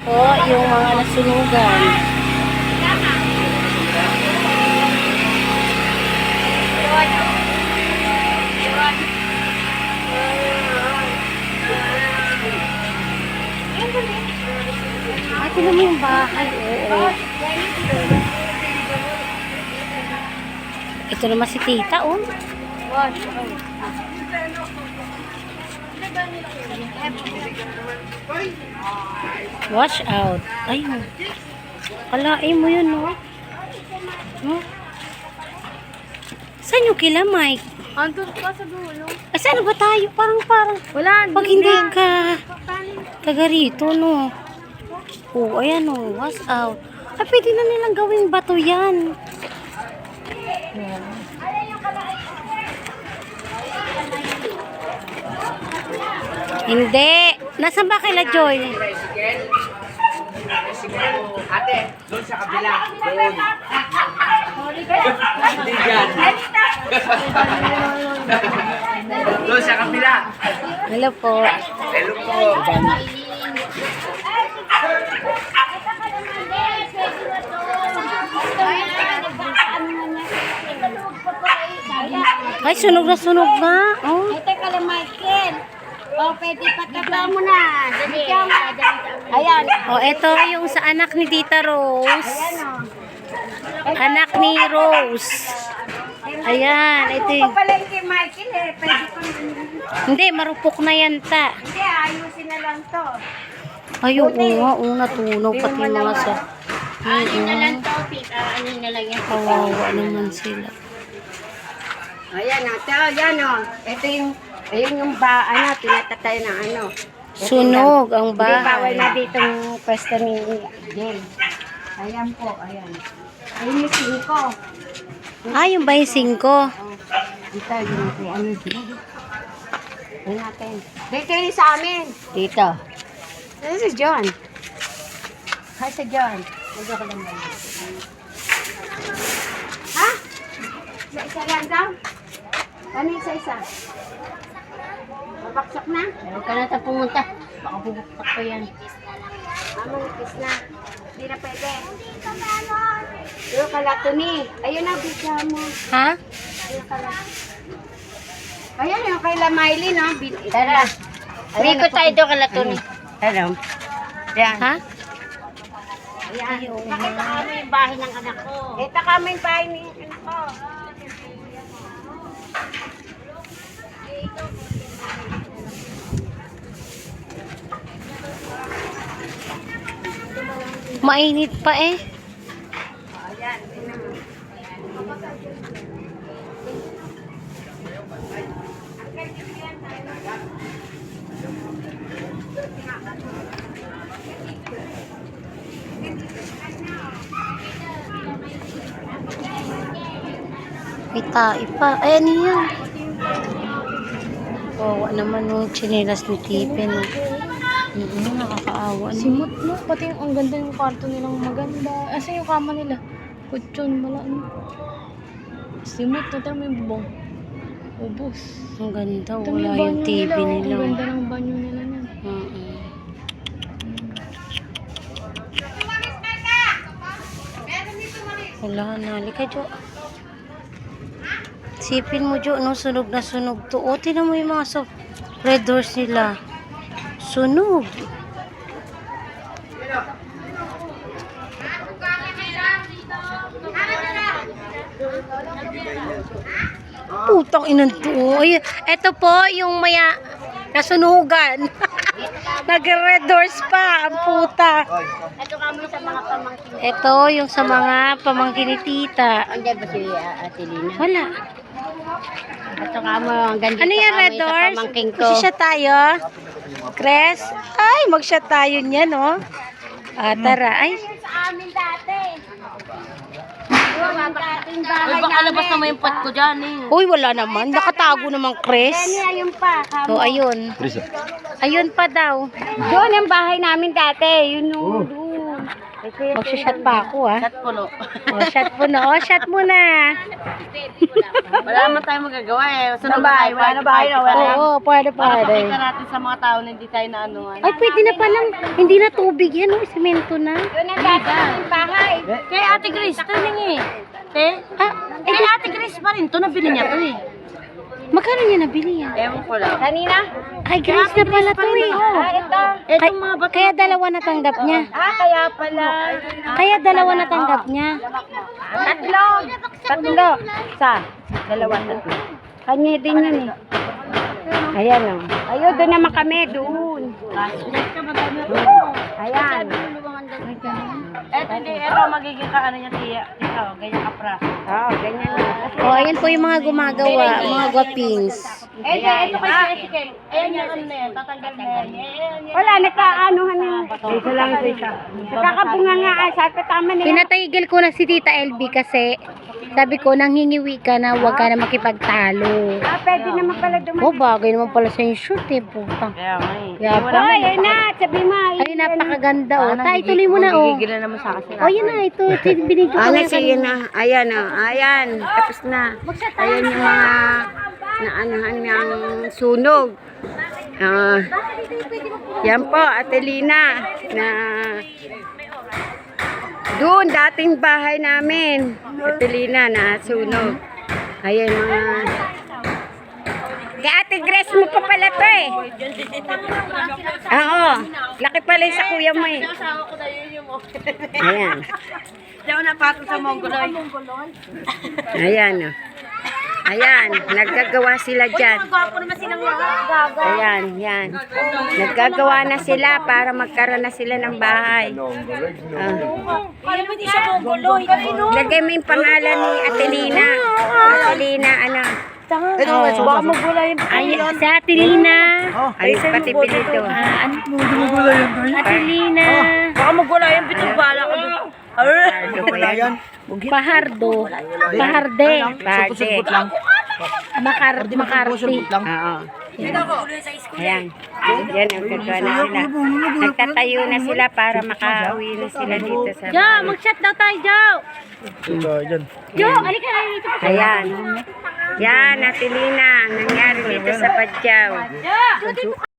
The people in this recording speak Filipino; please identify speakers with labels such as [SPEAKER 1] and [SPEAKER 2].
[SPEAKER 1] po yung mga nasunugan. Ay, tinan mo yung bahay. Oo. Ito naman si tita, oh. Wash out. Ayun. Kalain mo yun, no? No? Saan yung kila, Mike?
[SPEAKER 2] Andun ka sa dulo.
[SPEAKER 1] Ay, saan ba tayo? Parang.
[SPEAKER 2] Wala,
[SPEAKER 1] Pag hindi ka taga rito, no? Oh, ayan, no. Wash out. Ay, pwede na nilang gawing bato yan. Yan. Hindi. Nasaan ba kila Joy?
[SPEAKER 3] Ate, doon sa kabila. Doon. Hindi dyan. Doon sa kabila.
[SPEAKER 1] Hello po.
[SPEAKER 3] Hello po.
[SPEAKER 1] Ay, sunog na. Oh.
[SPEAKER 2] Ay, teka lang, Michael. O, pwede pataba mo na. Dali ka. Ayan.
[SPEAKER 1] Oh, ito yung sa anak ni Tita Rose.
[SPEAKER 2] Ayan, o.
[SPEAKER 1] Anak ni Rose. Ayan, ito
[SPEAKER 2] Ako
[SPEAKER 1] yung...
[SPEAKER 2] pala yung kay Michael, eh. Pwede ko na.
[SPEAKER 1] Hindi, marupok na yan, ta.
[SPEAKER 2] Hindi, ayusin na lang to.
[SPEAKER 1] Ay, oo nga, natunaw pati yung mga sa...
[SPEAKER 2] Ano na lang to, Pita. Ano na lang yan.
[SPEAKER 1] Kawawa naman sila.
[SPEAKER 2] Ayan, ate. Ayan, o. Ito yung... Ayun yung tinatatay ng ano.
[SPEAKER 1] Sunog ang
[SPEAKER 2] Hindi, bawal
[SPEAKER 1] bahay.
[SPEAKER 2] na dito yung pwesto ni Jen. Ayan po, ayan. Ayun yung 5.
[SPEAKER 1] Ah, yung ba yung 5?
[SPEAKER 2] Dito, yun kay ano dito. Ayun natin. Dito yun sa amin. Dito. This is John. Hi sa John. Medyo ko lang ba? Ha? Isa lang daw? Ano isa-isa? Babaksak na?
[SPEAKER 1] Huwag ka na ta pumunta. Baka bubuktak pa yan.
[SPEAKER 2] Manipis na. Hindi na pwede. Yung kalatuni. Ayun na, bigla mo.
[SPEAKER 1] Ha?
[SPEAKER 2] Yung kalatuni. Ayun yung kay Miley, no? Tara.
[SPEAKER 1] Biko tayo doon kalatuni.
[SPEAKER 2] Tara. Yan.
[SPEAKER 1] Ha?
[SPEAKER 2] Ayan. Pakita kami yung bahay ng anak ko. Ito kami yung bahay ng anak ko.
[SPEAKER 1] Mainit pa eh.
[SPEAKER 2] Ayan.
[SPEAKER 1] May tae pa. Ay, ano yan? Kawawa naman yung chinilas ni Tipin. Nakakaawa.
[SPEAKER 4] Simot mo, pati yung ang ganda yung kwarto nilang maganda. Asa yung kama nila? Kutsyon, wala ano. Simot, ito may bubong. Ubus.
[SPEAKER 1] Ang ganda.
[SPEAKER 4] Ito
[SPEAKER 1] Wala
[SPEAKER 4] may
[SPEAKER 1] yung
[SPEAKER 4] banyo
[SPEAKER 1] TV
[SPEAKER 4] nila.
[SPEAKER 1] nila.
[SPEAKER 4] Ang ganda ng banyo nila niyan.
[SPEAKER 1] Wala na. Halika, Jo. Sipin mo, Jo, no? Sunog na sunog to. O, tinan mo yung mga red doors nila. Sunog. Putang inan to. Ay, eto po yung maya nasunugan. Nag-red doors pa. Ang puta.
[SPEAKER 2] Ito kami sa mga pamangkin.
[SPEAKER 1] Ito yung sa mga pamangkin ni tita.
[SPEAKER 2] Andiyan ba si Ate Lina?
[SPEAKER 1] Wala.
[SPEAKER 2] Ito kami, ang ganda
[SPEAKER 1] Ano yan, red doors?
[SPEAKER 2] pamangkin ko.
[SPEAKER 1] Mag-shot tayo. Cres? Ay, mag-shot tayo niyan, no? Ah, tara. Ay,
[SPEAKER 2] Sa amin dati. Yung dating bahay
[SPEAKER 4] Ay, baka labas naman yung pot ko dyan eh.
[SPEAKER 1] uy, wala naman. Nakatago naman, Cres.
[SPEAKER 2] ayun pa.
[SPEAKER 1] Oh, ayun. Ayun pa daw.
[SPEAKER 2] Doon ang bahay namin dati. Yun doon.
[SPEAKER 1] Magsha-shot pa ako, ah.
[SPEAKER 2] Shot puno.
[SPEAKER 1] Oh, shot mo na. Oh, shot mo na.
[SPEAKER 2] Wala naman tayong magagawa eh. Sunod na tayo. Wala na ba?
[SPEAKER 1] Oo, pwede.
[SPEAKER 2] Pakita natin sa mga tao na hindi tayo na anuhan.
[SPEAKER 1] Ay, pwede na palang. Hindi na tubig yan, oh. Semento na.
[SPEAKER 2] Yun ang dati ng bahay. Kay Ate Grace, ito eh. Te? Kay Ate Grace pa rin. Ito nabili niya to eh.
[SPEAKER 1] Magkano niya nabili yan?
[SPEAKER 2] Ewan ko lang. Kanina?
[SPEAKER 1] Ay, Grace na pala to, eh.
[SPEAKER 2] Ito. Ito mga bato.
[SPEAKER 1] Kaya dalawa natanggap niya.
[SPEAKER 2] Kaya pala.
[SPEAKER 1] Kaya dalawa natanggap niya.
[SPEAKER 2] Tatlo. Dalawa, tatlo. Kanya din yan eh. Ayan o. Ayun, doon naman kami. Doon. Ayan. Ito magiging ka ano niya tiya. Ito, ganyan ka pra. Oo, ganyan.
[SPEAKER 1] Oh, ayan po yung mga gumagawa, mga guwapings.
[SPEAKER 2] Ito kasi Jessica. Ayan yung ano na yan. Tatanggal na yan. Wala, nagkaanuhan na. Isa lang isa. Nakakabunga nga. Sabi ko tama na yan.
[SPEAKER 1] Pinatigil ko na si Tita LB kasi sabi ko, nanghingiwi ka na, huwag ka na makipagtalo.
[SPEAKER 2] Pwede naman pala dumating.
[SPEAKER 1] Oh, bagay naman pala sa yung shoot, eh, putang.
[SPEAKER 2] Kaya nga eh.
[SPEAKER 1] Kaya pa.
[SPEAKER 2] Ayun na, sabi mo.
[SPEAKER 1] Ay, napakaganda, oh. Tay, tuloy mo na, oh.
[SPEAKER 2] Gigil na naman sa akin.
[SPEAKER 1] Oh, yun na, ito, binidyo ko na
[SPEAKER 2] sige na. Ayan o. Ayan. Tapos na. Ayan yung mga naanahan ng sunog. Yan po, Ate Lina. Na doon, dating bahay namin. Ate Lina na sunog. Ayan mga... Kay Ate Grace mo pa pala to eh. Oo. Laki pala yung sa kuya mo eh. Ayan. Hindi ako napatol sa Mongoloy. Ayan o. Ayan, naggagawa sila dyan. Ayan, yan. Naggagawa na sila para magkaroon na sila ng bahay. Lagay mo yung pangalan ni Atelina. Atelina, ano?
[SPEAKER 1] Baka magula yung ay, sa Atilina.
[SPEAKER 2] Ay, pati pilito.
[SPEAKER 1] Atilina.
[SPEAKER 2] Baka magwala yung bitong bala ko.
[SPEAKER 1] Pahardo. Paharde.
[SPEAKER 2] Pati.
[SPEAKER 1] Makarti.
[SPEAKER 2] Oo. Ayan. Yan ang gagawa na sila. Nagtatayo na sila para makauwi na sila dito sa
[SPEAKER 1] Jo, mag-shot daw tayo, Jo. Jo, alika na dito.
[SPEAKER 2] Ayan. Yan, Atelina. Nangyari dito sa Padyaw.